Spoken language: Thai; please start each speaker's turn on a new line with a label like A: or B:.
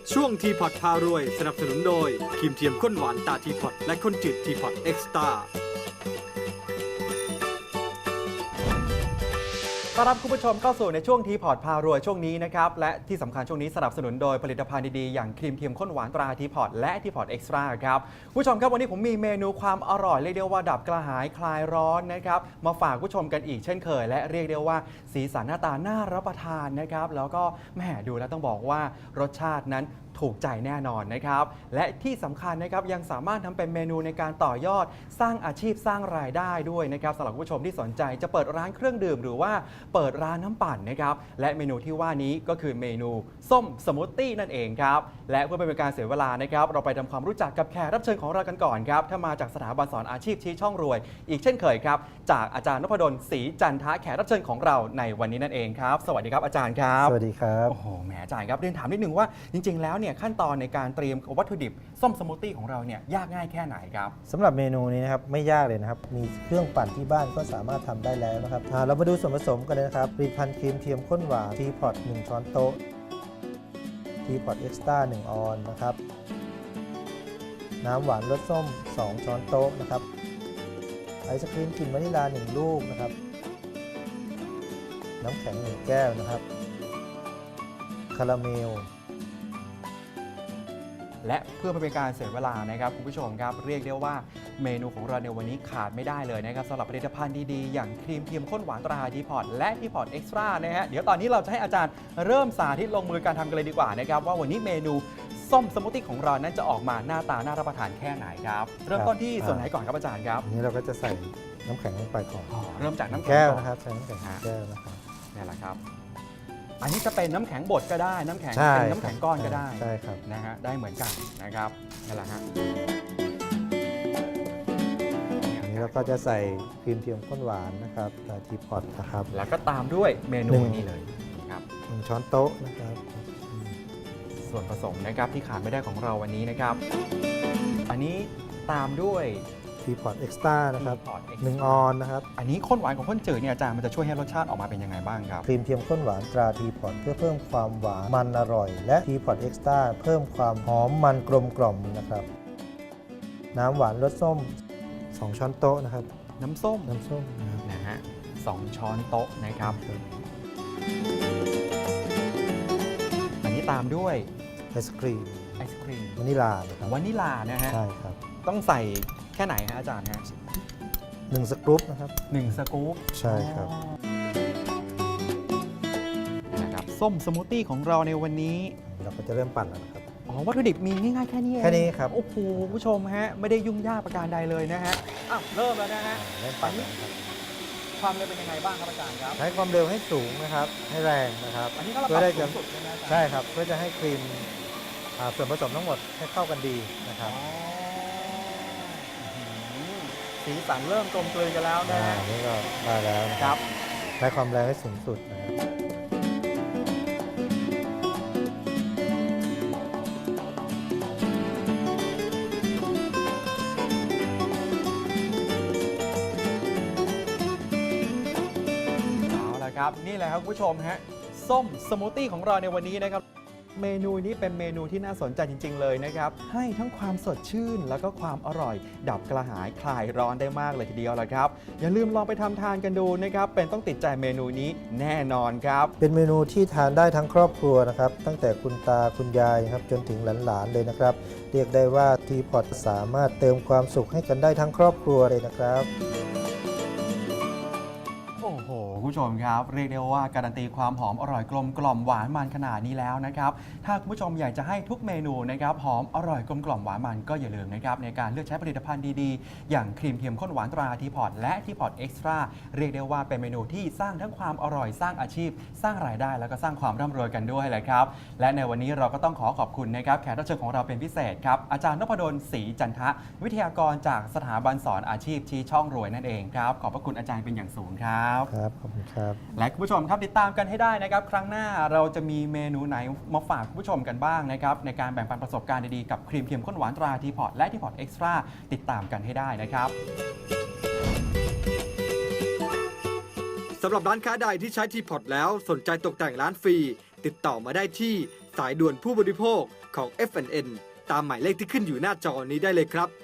A: ช่วงทีพอตพารวยสนับสนุนโดยครีมเทียมข้นหวานตาทีพอตและข้นจืดทีพอตเอ็กซ์ตร้า
B: ต้อนรับคุณผู้ชมเข้าสู่ในช่วงทีพอร์ตพารวยช่วงนี้นะครับและที่สำคัญช่วงนี้สนับสนุนโดยผลิตภัณฑ์ดีๆอย่างครีมเทียมข้นหวานตราทีพอร์ตและทีพอร์ตเอ็กซ์ตร้าครับผู้ชมครับวันนี้ผมมีเมนูความอร่อยเรียกได้ว่าดับกระหายคลายร้อนนะครับมาฝากผู้ชมกันอีกเช่นเคยและเรียกได้ว่าสีสันหน้าตาน่ารับประทานนะครับแล้วก็แหมดูแล้วต้องบอกว่ารสชาตินั้นถูกใจแน่นอนนะครับและที่สำคัญนะครับยังสามารถทำเป็นเมนูในการต่อยอดสร้างอาชีพสร้างรายได้ด้วยนะครับสำหรับผู้ชมที่สนใจจะเปิดร้านเครื่องดื่มหรือว่าเปิดร้านน้ำปั่นนะครับและเมนูที่ว่านี้ก็คือเมนูส้มสมูทตี้นั่นเองครับและเพื่อไม่เป็นการเสียเวลานะครับเราไปทำความรู้จักกับแขกรับเชิญของเรากันก่อนครับถ้ามาจากสถาบันสอนอาชีพชี้ช่องรวยอีกเช่นเคยครับจากอาจารย์นพดลศรีจันทะแขกรับเชิญของเราในวันนี้นั่นเองครับสวัสดีครับอาจารย์ครับ
C: สวัสดีครับ
B: โอ้โหแหมอาจารย์ครับเรียนถามนิดนึงว่าจริงๆแล้วเนี่ยขั้นตอนในการเตรียมวัตถุดิบส้มสมูทตี้ของเราเนี่ยยากง่ายแค่ไหนครับ
C: สำหรับเมนูนี้นะครับไม่ยากเลยนะครับมีเครื่องปั่นที่บ้านก็สามารถทำได้แล้วนะครับเรามาดูส่วนผสมกันเลยนะครับผลิตภัณฑ์ครีมเทียมข้นหวานทีพอต1ช้อนโต๊ะทีพอตเอ็กซ์ตร้า1ออนนะครับน้ำหวานรสส้ม2ช้อนโต๊ะนะครับไอศครีมกลิ่นวานิลา1ลูกนะครับน้ำแข็ง1แก้วนะครับคาราเมล
B: และเพื่อไม่เป็นการเสียเวลานะครับคุณผู้ชมครับเรียกได้ว่าเมนูของเราในวันนี้ขาดไม่ได้เลยนะครับสำหรับผลิตภัณฑ์ดีๆอย่างครีมเทียมข้นหวานตราทีพอตและทีพอตเอ็กซ์ตร้านะฮะเดี๋ยวตอนนี้เราจะให้อาจารย์เริ่มสาธิตลงมือการทำกันเลยดีกว่านะครับว่าวันนี้เมนูส้มสมูทตี้ของเรานั้นจะออกมาหน้าตาน่ารับประทานแค่ไหนครับเริ่มต้นที่ส่วนไหนก่อนครับอาจารย์ครับ
C: อันนี้เราก็จะใส่น้ำแข็งลงไปก่อน
B: เริ่มจากน้ำแข็ง
C: แก้วนะครับใส่น้ำแข็งแก้วนะครับ
B: นี่แหละครับอันนี้จะเป็นน้ำแข็งบดก็ได้น้ำแข็ง
C: ใช่
B: เป็นน้ำแข็งก้อนก็ได้
C: ใช่ครับ
B: นะฮะได้เหมือนกันนะครับนี่แหละฮะ
C: อันนี้เราก็จะใส่ครีมเทียมข้นหวานนะครับทีพอตนะครับ
B: แล้วก็ตามด้วยเมนูนี้เลยครับ
C: 1ช้อนโต๊ะนะครับ
B: ส่วนผสมนะครับที่ขาดไม่ได้ของเราวันนี้นะครับ อันนี้ตามด้วย
C: ทีพอตเอ็กซ์ตร้านะครับ
B: Teapot Extra
C: 1ออนนะครับ
B: อันนี้ข้นหวานของข้นจืดเนี่ยอาจารย์มันจะช่วยให้รสชาติออกมาเป็นยังไงบ้างครับ
C: ครีมเทียมข้นหวานตราทีพอตเพื่อเพิ่มความหวานมันอร่อย และทีพอตเอ็กซ์ตร้าเพิ่มความหอมมันกลมกล่อมนะครับ น้ำหวานรสส้ม2ช้อนโต๊ะนะครับ
B: น้ำส้ม
C: น้ำส้มนะครับ
B: นะฮะ2ช้อนโต๊ะนะครับ อันนี้ตามด้วย
C: ไอศครีม
B: ไอศครีม
C: วานิลานะครับ
B: วานิลานะฮะ
C: ใช่ครับ
B: ต้องใส่แค่ไหนฮะอาจารย์ฮะ
C: 1สกรูปนะครับ
B: 1 สกู๊ป
C: ใช่ครับ
B: นะครับส้มสมูทตี้ของเราในวันนี้
C: เราก็จะเริ่มปั่นแล้วนะครับ
B: อ๋อวัตถุดิบมีง่ายๆแค่นี้เอง
C: แค่นี้ครับ
B: โอ้โหผู้ชมฮะไม่ได้ยุ่งยากประการใดเลยนะฮะอ้าวเริ่มแล้วนะฮะ
C: เริ่มปั่นแล้วนะครับ
B: ความเร็วเป็นยังไงบ้างครับอาจารย์ครับ
C: ใช้ความเร็วให้สูงนะครับ ให้แรงนะครับ
B: อันนี้ก็เราป
C: เพื่
B: รั
C: อบ ได้
B: สู
C: จะ
B: งสุดใช่ไหมอาจารย์
C: ใช่ครับเพื่อจะให้ครีมส่วนผสมทั้งหมดให้เข้ากันดีนะครับ
B: อ๋อสีสันเริ่มกลมกลืนกันแล้วนะฮะ
C: นี่ก็ได้แล้วนะ
B: ค
C: ค
B: รั
C: รับ บใช้ความแรงให้สูงสุดนะครับ
B: เอาละครับนี่แหละครับคุณผู้ชมฮะส้มสมูทตี้ของเราในวันนี้นะครับเมนูนี้เป็นเมนูที่น่าสนใจจริง ๆ เลยนะครับให้ทั้งความสดชื่นแล้วก็ความอร่อย ดับกระหายคลายร้อนได้มากเลยทีเดียวละครับอย่าลืมลองไปทำทานกันดูนะครับเป็นต้องติดใจเมนูนี้แน่นอนครับ
C: เป็นเมนูที่ทานได้ทั้งครอบครัวนะครับตั้งแต่คุณตาคุณยายครับจนถึงหลานๆเลยนะครับ เรียกได้ว่าทีพอตสามารถเติมความสุขให้กันได้ทั้งครอบครัวเลยนะครับ
B: โอ้โหคุณผู้ชมครับเรียกได้ว่าการันตีความหอมอร่อยกลมกล่อมหวานมันขนาดนี้แล้วนะครับถ้าคุณผู้ชมอยากจะให้ทุกเมนูนะครับหอมอร่อยกลมกล่อมหวานมันก็อย่าลืมนะครับในการเลือกใช้ผลิตภัณฑ์ดีๆอย่างครีมเทียมข้นหวานตราทีพอตและทีพอตเอ็กซ์ตร้าเรียกได้ว่าเป็นเมนูที่สร้างทั้งความอร่อยสร้างอาชีพ สร้างรายได้แล้วก็สร้างความร่ำรวยกันด้วยแหละครับและในวันนี้เราก็ต้องขอบคุณนะครับแขกรับเชิญของเราเป็นพิเศษครับอาจารย์นพดลศรีจันทะวิทยากรจากสถาบันสอนอาชีพชี้ช่องรวยนั่นเองครับขอบพระคุณอาจารย์เป็นอย่างสูงครับ
C: ครับขอบคุณครับ
B: และคุณผู้ชมครับติดตามกันให้ได้นะครับครั้งหน้าเราจะมีเมนูไหนมาฝากคุณผู้ชมกันบ้างนะครับในการแบ่งปันประสบการณ์ดีๆกับครีมเทียมข้นหวานตราทีพอตและทีพอตเอ็กซ์ตร้าติดตามกันให้ได้นะครับ
A: สำหรับร้านค้าใดที่ใช้ทีพอตแล้วสนใจตกแต่งร้านฟรีติดต่อมาได้ที่สายด่วนผู้บริโภคของ F&N ตามหมายเลขที่ขึ้นอยู่หน้าจอนี้ได้เลยครับ